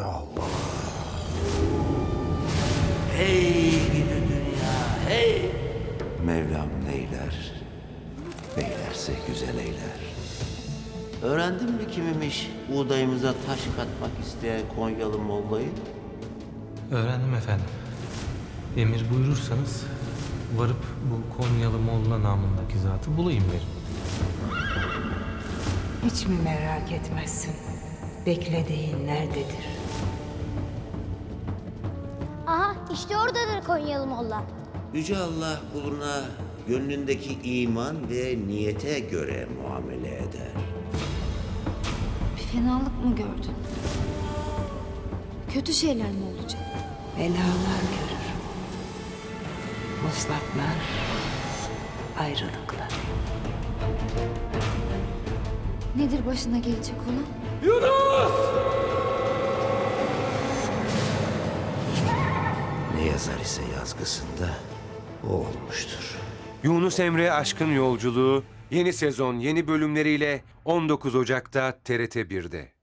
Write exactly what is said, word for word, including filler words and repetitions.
Allah. Hey gidi dünya, hey! Mevlam neyler, beylerse güzel eyler. Öğrendin mi kimmiş buğdayımıza taş katmak isteyen Konyalı mollayı? Öğrendim efendim. Emir buyurursanız varıp bu Konyalı Molla namındaki zatı bulayım derim. Hiç mi merak etmezsin? Beklediğin nerededir? Aha işte oradadır Konyalı Molla. Yüce Allah kuluna gönlündeki iman ve niyete göre muamele eder. Bir fenalık mı gördün? Kötü şeyler mi olacak? Belalar görür. Vuslatlar, ayrılıklar. Nedir başına gelecek olan? Ne yazar ise yazgısında o olmuştur. Yunus Emre Aşkın Yolculuğu yeni sezon yeni bölümleriyle on dokuz Ocak'ta T R T bir'de.